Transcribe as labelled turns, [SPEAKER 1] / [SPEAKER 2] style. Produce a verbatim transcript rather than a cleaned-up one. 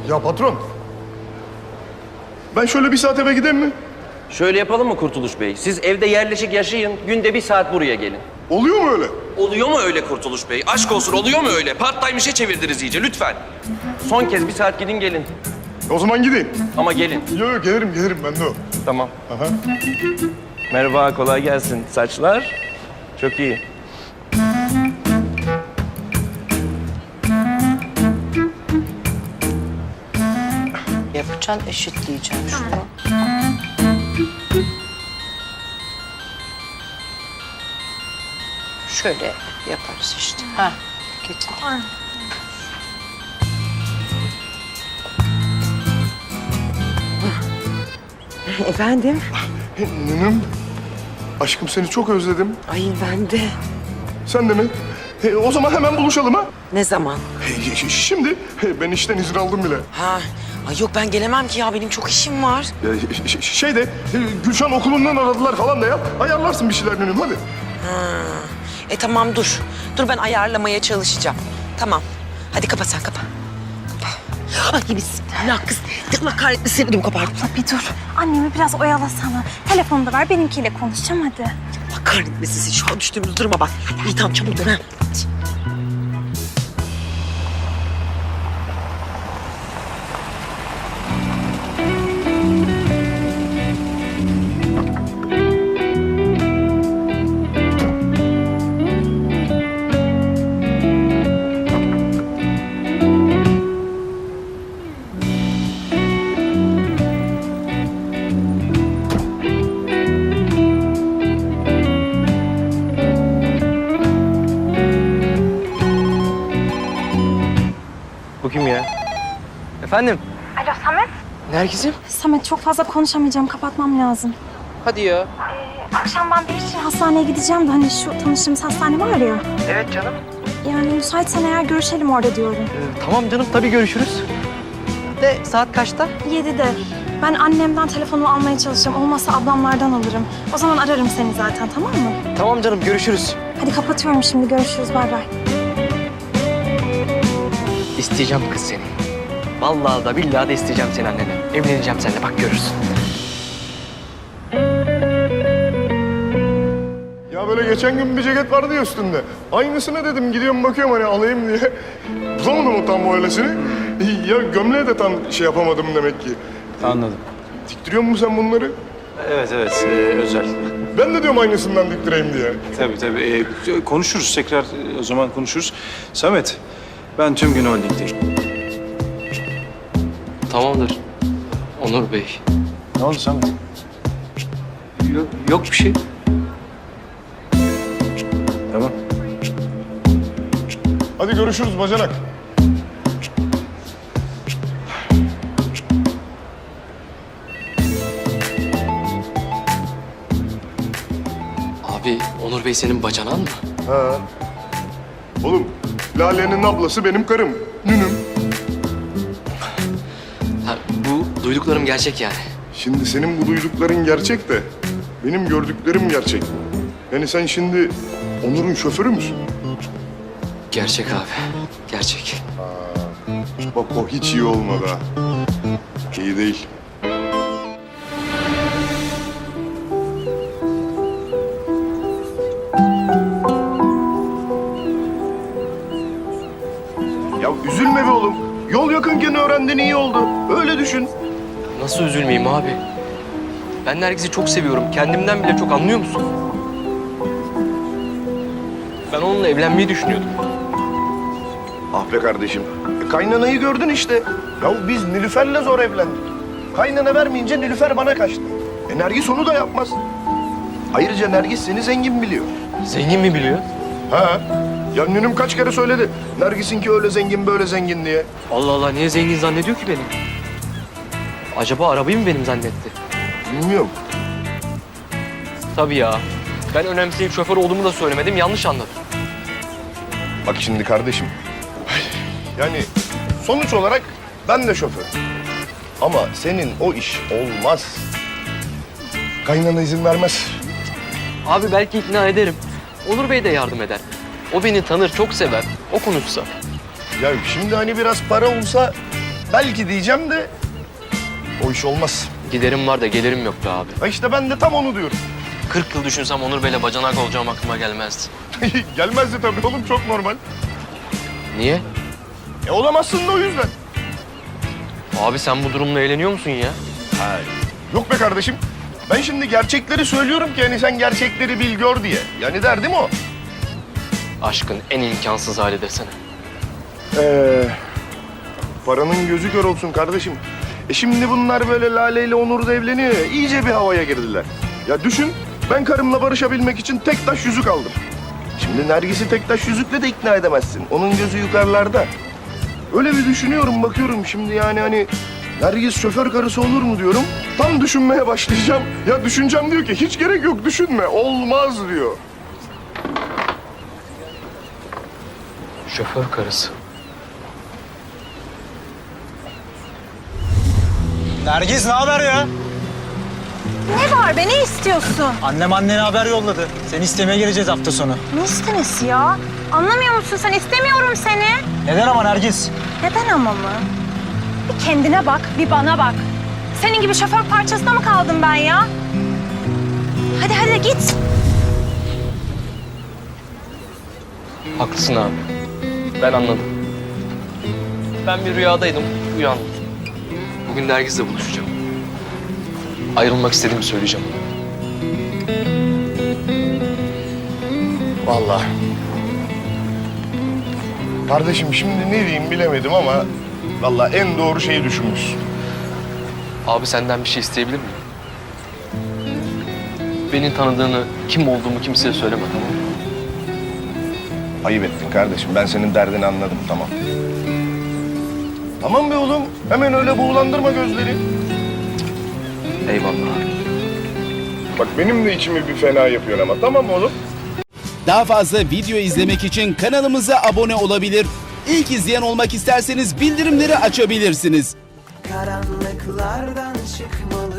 [SPEAKER 1] Ya patron. Ben şöyle bir saat eve gideyim mi?
[SPEAKER 2] Şöyle yapalım mı Kurtuluş Bey? Siz evde yerleşik yaşayın, günde bir saat buraya gelin.
[SPEAKER 1] Oluyor mu öyle?
[SPEAKER 2] Oluyor mu öyle Kurtuluş Bey? Aşk olsun, oluyor mu öyle? Part-time işe çevirdiniz iyice, lütfen. Son kez bir saat gidin gelin.
[SPEAKER 1] O zaman gideyim.
[SPEAKER 2] Ama gelin.
[SPEAKER 1] Yok yok gelirim gelirim ben de o.
[SPEAKER 2] Tamam.
[SPEAKER 1] Aha.
[SPEAKER 2] Merhaba, kolay gelsin. Saçlar çok iyi.
[SPEAKER 3] Yapacaksın, eşitleyeceksin şunu. Şöyle yaparız işte. Ha, getir.
[SPEAKER 4] Efendim?
[SPEAKER 1] Nünüm. Aşkım seni çok özledim.
[SPEAKER 4] Ay ben de.
[SPEAKER 1] Sen de mi? E, o zaman hemen buluşalım ha.
[SPEAKER 4] Ne zaman?
[SPEAKER 1] E, ş- şimdi e, ben işten izin aldım bile.
[SPEAKER 4] Ha, ay yok ben gelemem ki ya. Benim çok işim var.
[SPEAKER 1] Ya, ş- ş- şey de e, Gülşen okulundan aradılar falan da ya. Ayarlarsın bir şeyler Nünüm hadi.
[SPEAKER 4] Ha. E tamam dur. Dur ben ayarlamaya çalışacağım. Tamam. Hadi kapa sen kapa. Ay bismillah kız. Allah kahretmesin ödüm kopardım.
[SPEAKER 5] Bir dur. Annemi biraz oyalasana. Telefonu da ver, benimkiyle konuşacağım hadi.
[SPEAKER 4] Allah kahretmesin şu an düştüğümüz duruma bak. İyi tamam çabuk dön ha.
[SPEAKER 2] Bu kim ya? Efendim?
[SPEAKER 5] Alo Samet.
[SPEAKER 2] Nergis'im?
[SPEAKER 5] Samet çok fazla konuşamayacağım, kapatmam lazım.
[SPEAKER 2] Hadi ya.
[SPEAKER 5] Akşam ben bir için hastaneye gideceğim de hani şu tanıştığımız hastane var ya.
[SPEAKER 2] Evet canım.
[SPEAKER 5] Yani müsaitsen eğer görüşelim orada diyorum.
[SPEAKER 2] Ee, tamam canım, tabii görüşürüz. De saat kaçta?
[SPEAKER 5] Yedide. Ben annemden telefonumu almaya çalışacağım. Olmazsa ablamlardan alırım. O zaman ararım seni zaten, tamam mı?
[SPEAKER 2] Tamam canım, görüşürüz.
[SPEAKER 5] Hadi kapatıyorum şimdi. Görüşürüz. Bay bay.
[SPEAKER 6] İsteyeceğim kız seni. Vallahi da billahi de isteyeceğim seni annene. Evleneceğim seninle, bak görürsün.
[SPEAKER 1] Ya böyle geçen gün bir ceket vardı ya üstünde. Aynısını dedim gidiyorum bakıyorum hani alayım diye. Bulamadım o tam böylesini. Ya gömleğe de tam şey yapamadım demek ki.
[SPEAKER 7] Anladım.
[SPEAKER 1] Diktiriyor musun sen bunları?
[SPEAKER 7] Evet evet e, özel.
[SPEAKER 1] Ben de diyorum aynısından diktireyim diye.
[SPEAKER 7] Tabii tabii. E, konuşuruz tekrar e, o zaman konuşuruz. Samet, ben tüm gün holdingdeyim.
[SPEAKER 6] Tamamdır. Onur Bey.
[SPEAKER 7] Ne oldu Samet?
[SPEAKER 6] Yok, yok bir şey.
[SPEAKER 7] Tamam.
[SPEAKER 1] Hadi görüşürüz bacanak.
[SPEAKER 6] Abi Onur Bey senin bacanan mı?
[SPEAKER 1] Ha. Oğlum Lale'nin ablası benim karım. Nünüm.
[SPEAKER 6] Ha, bu duyduklarım gerçek yani.
[SPEAKER 1] Şimdi senin bu duydukların gerçek de benim gördüklerim gerçek. Yani sen şimdi Onur'un şoförü müsün?
[SPEAKER 6] Gerçek abi. Gerçek.
[SPEAKER 1] Bak o hiç iyi olmadı ha. İyi değil. Ya üzülme be oğlum. Yol yakınken öğrendin iyi oldu. Öyle düşün.
[SPEAKER 6] Nasıl üzülmeyeyim abi? Ben Nergis'i çok seviyorum. Kendimden bile çok, anlıyor musun? Ben onunla evlenmeyi düşünüyordum.
[SPEAKER 1] Ah be kardeşim. E, kaynanayı gördün işte. Ya biz Nilüfer'le zor evlendik. Kaynana vermeyince Nilüfer bana kaçtı. E Nergis onu da yapmaz. Ayrıca Nergis seni zengin biliyor.
[SPEAKER 6] Zengin mi biliyor?
[SPEAKER 1] Ha? Ya Nünüm kaç kere söyledi. Nergis'inki öyle zengin böyle zengin diye.
[SPEAKER 6] Allah Allah, niye zengin zannediyor ki beni? Acaba arabayı mı benim zannetti?
[SPEAKER 1] Bilmiyorum.
[SPEAKER 6] Tabii ya. Ben önemseyip şoför olduğumu da söylemedim, yanlış anladım.
[SPEAKER 1] Bak şimdi kardeşim. Yani sonuç olarak ben de şoför. Ama senin o iş olmaz. Kaynana izin vermez.
[SPEAKER 6] Abi belki ikna ederim. Onur Bey de yardım eder. O beni tanır, çok sever. O konuşsa.
[SPEAKER 1] Ya şimdi hani biraz para olsa belki diyeceğim de o iş olmaz.
[SPEAKER 6] Giderim var da gelirim yok be abi.
[SPEAKER 1] Ha işte ben de tam onu diyorum.
[SPEAKER 6] kırk yıl düşünsem Onur Bey'le bacanak olacağım aklıma gelmezdi.
[SPEAKER 1] Gelmezdi tabii oğlum, çok normal.
[SPEAKER 6] Niye?
[SPEAKER 1] E olamazsın da o yüzden.
[SPEAKER 6] Abi sen bu durumla eğleniyor musun ya?
[SPEAKER 1] Yok be kardeşim. Ben şimdi gerçekleri söylüyorum ki hani sen gerçekleri bil gör diye. Yani derdim o.
[SPEAKER 6] Aşkın en imkansız hali desene.
[SPEAKER 1] Ee, paranın gözü kör olsun kardeşim. E şimdi bunlar böyle Lale ile Onur da evleniyor ya, iyice bir havaya girdiler. Ya düşün, ben karımla barışabilmek için tek taş yüzük aldım. Şimdi Nergis'i tek taş yüzükle de ikna edemezsin. Onun gözü yukarılarda. Öyle bir düşünüyorum, bakıyorum şimdi yani hani... Nergis şoför karısı olur mu diyorum. Tam düşünmeye başlayacağım. Ya düşüneceğim diyor ki hiç gerek yok, düşünme. Olmaz diyor.
[SPEAKER 6] Şoför karısı.
[SPEAKER 8] Nergiz ne haber ya?
[SPEAKER 5] Ne var be, ne istiyorsun?
[SPEAKER 8] Annem annene haber yolladı. Seni istemeye geleceğiz hafta sonu.
[SPEAKER 5] Ne istemesi ya? Anlamıyor musun sen? İstemiyorum seni.
[SPEAKER 8] Neden ama Nergiz?
[SPEAKER 5] Neden ama mı? Bir kendine bak, bir bana bak. Senin gibi şoför parçasına mı kaldım ben ya? Hadi hadi git.
[SPEAKER 6] Haklısın abi. Ben anladım. Ben bir rüyadaydım, uyandım. Bugün Nergis'le buluşacağım. Ayrılmak istediğimi söyleyeceğim.
[SPEAKER 1] Vallahi. Kardeşim şimdi ne diyeyim bilemedim ama... Vallahi en doğru şeyi düşünmüşsün.
[SPEAKER 6] Abi senden bir şey isteyebilir miyim? Beni tanıdığını, kim olduğumu kimseye söyleme, tamam mı?
[SPEAKER 1] Ayıp ettin kardeşim. Ben senin derdini anladım, tamam. Tamam be oğlum. Hemen öyle buğulandırma gözleri.
[SPEAKER 6] Eyvallah abi.
[SPEAKER 1] Bak benim de içimi bir fena yapıyor ama. Tamam mı oğlum?
[SPEAKER 9] Daha fazla video izlemek için kanalımıza abone olabilir. İlk izleyen olmak isterseniz bildirimleri açabilirsiniz.
[SPEAKER 10] Karanlıklardan çıkmalı.